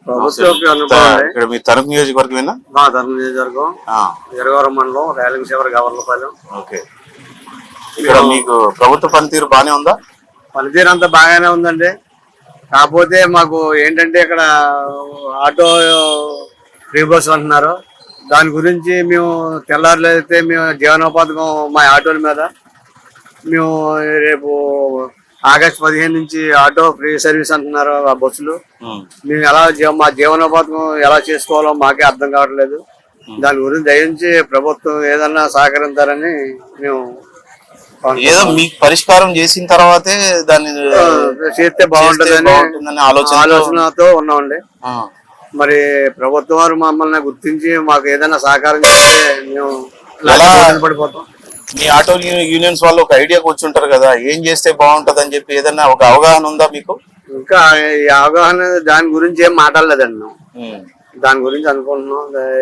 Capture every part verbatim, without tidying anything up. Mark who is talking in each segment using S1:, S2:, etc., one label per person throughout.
S1: ఇక్కడ మీ తణుకు నియోజకవర్గమేనా?
S2: మా తణుకు నియోజకవర్గం, ఎరగవరం మండలం, రేలింగ చివరి గవర్లపాలెం.
S1: ఓకే, ఇక్కడ మీకు ప్రభుత్వ పనితీరు బానే ఉందా?
S2: పనితీరు అంతా బాగానే ఉందండి. కాకపోతే మాకు ఏంటంటే ఇక్కడ ఆటో ఫ్రీ బస్ అంటున్నారు. దాని గురించి మేము తెల్లారులు అయితే మేము జీవనోపాధకం మా ఆటోల మీద మేము రేపు ఆగస్టు పదిహేను నుంచి ఆటో ఫ్రీ సర్వీస్ అంటున్నారు ఆ బస్సులు. మేము ఎలా మా జీవనోపాధకం ఎలా చేసుకోవాలో మాకే అర్థం కావట్లేదు. దాని గురించి దయించి ప్రభుత్వం ఏదన్నా సహకరించాలని మేము
S1: ఏదో మీకు పరిష్కారం చేసిన తర్వాతే దాన్ని
S2: చేస్తే బాగుంటుందని ఆలోచనతో ఉన్నామండి. మరి ప్రభుత్వం వారు మమ్మల్ని గుర్తించి మాకు ఏదైనా సహకారం చేస్తే మేము పడిపోతాం.
S1: మీ ఆటో యూనియన్స్ వాళ్ళు ఒక ఐడియాకి వచ్చి ఉంటారు కదా, ఏం చేస్తే బాగుంటది అని చెప్పి ఏదైనా ఒక అవగాహన ఉందా మీకు?
S2: ఇంకా ఈ అవగాహన దాని గురించి ఏం మాట్లాడలేదండి. మేము దాని గురించి అనుకుంటున్నాం.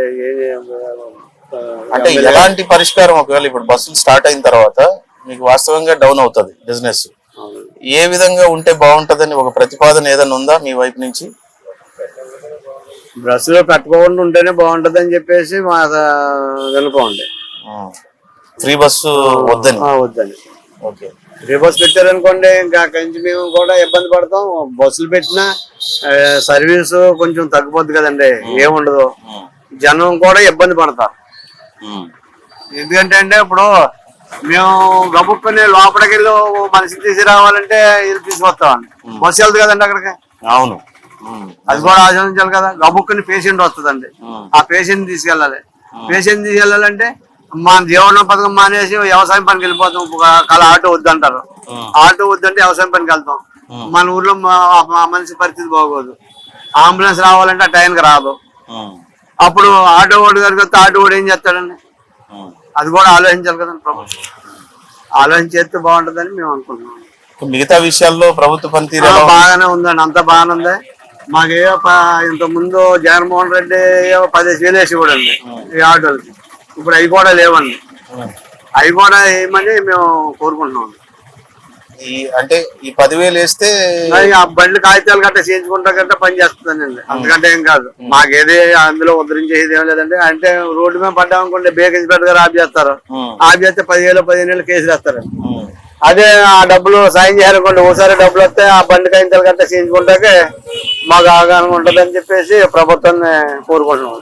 S1: అంటే ఎలాంటి పరిష్కారం ఒకవేళ ఇప్పుడు బస్సులు స్టార్ట్ అయిన తర్వాత మీకు వాస్తవంగా డౌన్ అవుతుంది బిజినెస్, ఏ విధంగా ఉంటే బాగుంటదని ఒక ప్రతిపాదన ఏదైనా ఉందా మీ వైపు నుంచి?
S2: బస్సులో పెట్టుకోకుండా ఉంటేనే బాగుంటది అని చెప్పేసి మా వినపండి.
S1: ఫ్రీ బస్సు వద్దని
S2: వద్దని ఓకే ఫ్రీ బస్సు పెట్టారనుకోండి ఇంకా కొంచెం మేము కూడా ఇబ్బంది పడతాం. బస్సులు పెట్టినా సర్వీస్ కొంచెం తగ్గిపోద్ది కదండి, ఏముండదు. జనం కూడా ఇబ్బంది పడతారు. ఎందుకంటే అంటే ఇప్పుడు మేము గబుక్కుని లోపలికి వెళ్ళి మనిషిని తీసుకురావాలంటే ఇది తీసుకొస్తామండి, బస్సు వెళ్తుంది కదండి అక్కడికి.
S1: అవును,
S2: అది కూడా ఆచరించాలి కదా. గబుక్కుని పేషెంట్ వస్తుందండి, ఆ పేషెంట్ తీసుకెళ్ళాలి. పేషెంట్ తీసుకెళ్ళాలంటే మన జీవన పథకం మానేసి వ్యవసాయం పనికి వెళ్ళిపోతాం. కల ఆటో వద్దంటారు, ఆటో వద్దంటే వ్యవసాయం పనికి వెళ్తాం. మన ఊర్లో మనిషి పరిస్థితి బాగోదు. అంబులెన్స్ రావాలంటే ఆ టైంకి రాదు. అప్పుడు ఆటో ఓడి గారికి వస్తే ఆటో ఓడి ఏం చేస్తాడండి? అది కూడా ఆలోచించాలి కదండి ప్రభుత్వం. ఆలోచించేస్తే బాగుంటుందని మేము అనుకుంటున్నాం.
S1: మిగతా విషయాల్లో ప్రభుత్వ పనితీరు
S2: బాగానే ఉందండి, అంతా బాగానే ఉంది. మాకే ఇంత ముందు జగన్మోహన్ రెడ్డి పదిహేను వేలు వేసి కూడా అండి ఈ ఆటోలకి. ఇప్పుడు అవి కూడా లేవండి, అవి కూడా వేయమని మేము కోరుకుంటున్నాం.
S1: ఈ అంటే ఈ పదివేలు వేస్తే
S2: ఆ బండ్లు కాగితాలు గట్ట చేయించుకుంటా గట్ట పని చేస్తుందండి, అంతకంటే ఏం కాదు. మాకేది అందులో ఉద్ధరించేది ఏం లేదండి. అంటే రోడ్డు మీద పడ్డామనుకుంటే బేకేజ్ పెట్టగా ఆఫ్ చేస్తారు. ఆఫ్ చేస్తే పదివేలు పదిహేను వేలు కేసులు వేస్తారండి. అదే ఆ డబ్బులు సాయం చేయాలనుకోండి, ఓసారి డబ్బులు వస్తే ఆ బండి కాగితాలు గట్ట చేయించుకుంటాకే మాకు అవగాహన ఉంటుందని చెప్పేసి ప్రభుత్వాన్ని కోరుకుంటున్నాం.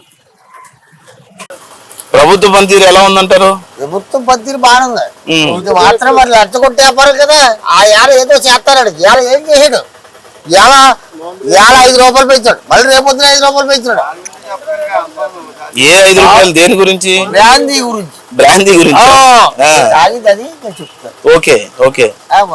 S1: ప్రభుత్వ పనితీరు ఎలా ఉందంటారు?
S3: ప్రభుత్వం పనితీరు బాగుంది. ఇది మాత్రం మరి లచ్చ కొట్టి వ్యాపారం కదా. ఆ ఏడ ఏదో చేస్తాడు, ఇవాళ ఏం చేసాడు? ఇవాళ ఇవాళ ఐదు రూపాయలు పెంచాడు, మళ్ళీ రేపొద్దున ఐదు రూపాయలు పెంచాడు.
S1: ఏ ఐదు రూపాయలు దేని గురించి?
S3: బ్రాందీ గురించి.
S1: బ్రాందీ గురించి
S3: తాగిదని చెప్తాను.
S1: ఓకే ఓకే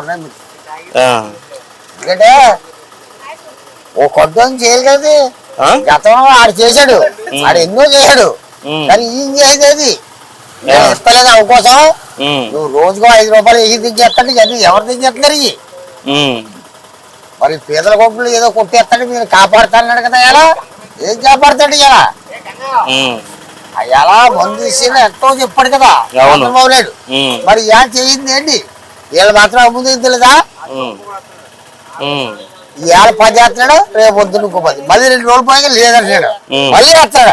S3: ఎందుకంటే ఓ కొత్త చేయాలి కదా. గతంలో ఆడు చేశాడు, ఆడు ఎన్నో చేశాడు. కానీ ఏం చేసేది ఇస్తలేదు అవకోసం. నువ్వు రోజుకో ఐదు రూపాయలు వేసి దించేస్తాడు, అది ఎవరు దించేస్తున్నారు? ఇవి మరి పేదల కొట్లు ఏదో కొట్టేస్తాడు, మీరు కాపాడుతాడు కదా. ఎలా ఏం కాపాడుతాడు? ఇలా ఎలా మందు ఇచ్చిన ఎంతో చెప్పాడు కదా చంద్రబాబు నాయుడు. మరి ఇలా చేయింది ఏంటి? వీళ్ళు మాత్రం అమ్ముంది తెలియదా? ఇవాళ పది చేస్తున్నాడు, రేపు పొద్దున్న ఇంకో పది, మళ్ళీ రెండు రోజులు పోయాక లేదంటాడు, మళ్ళీ వస్తాడు.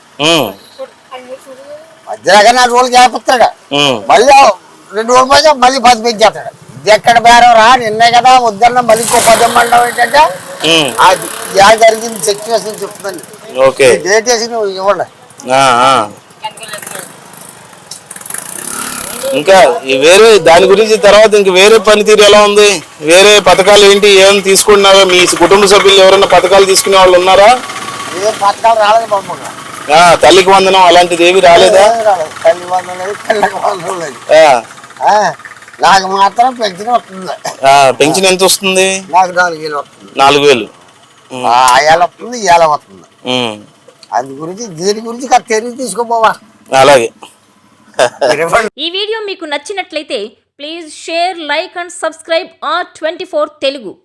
S3: మధ్యలో నాలుగు రోజులు చేపిస్తాడు, మళ్ళీ రెండు రోజులు పోయాక మళ్ళీ పది పెంచేస్తాడు. ఇది ఎక్కడ బేరం రా? నిన్నే కదా వద్దన్న మళ్ళీ పదమ్మంటావు ఏంటంటే అది ఇలా జరిగింది సిచ్యువేషన్ చెప్తుందండి. డేట్ వేసి నువ్వు ఇవ్వండి.
S1: ఇంకా వేరే దాని గురించి తర్వాత ఇంక వేరే పనితీరు ఎలా ఉంది? వేరే పథకాలు ఏంటి, ఏమైనా తీసుకుంటున్నారా? మీ కుటుంబ సభ్యులు ఎవరైనా పథకాలు తీసుకునే వాళ్ళు ఉన్నారా?
S3: ఏ పథకాలు రాలేదు బాబు.
S1: తల్లికి వందనం అలాంటిది ఏమి రాలేదా?
S3: తల్లి వందనం లేదు, పిల్లకి వందనం లేదు. నాకు మాత్రం పెన్షన్ వస్తుంది.
S1: పెన్షన్ ఎంత వస్తుంది?
S3: నాకు నాలుగు వేలు వస్తుంది.
S1: నాలుగు వేలు
S3: ఆయాల వస్తుంది, ఇయాల వస్తుంది. అందు గురించి దీని గురించి తెలివి తీసుకోపోవా.
S1: అలాగే.
S4: ఈ వీడియో మీకు నచ్చినట్లయితే please share, like and subscribe R twenty four Telugu.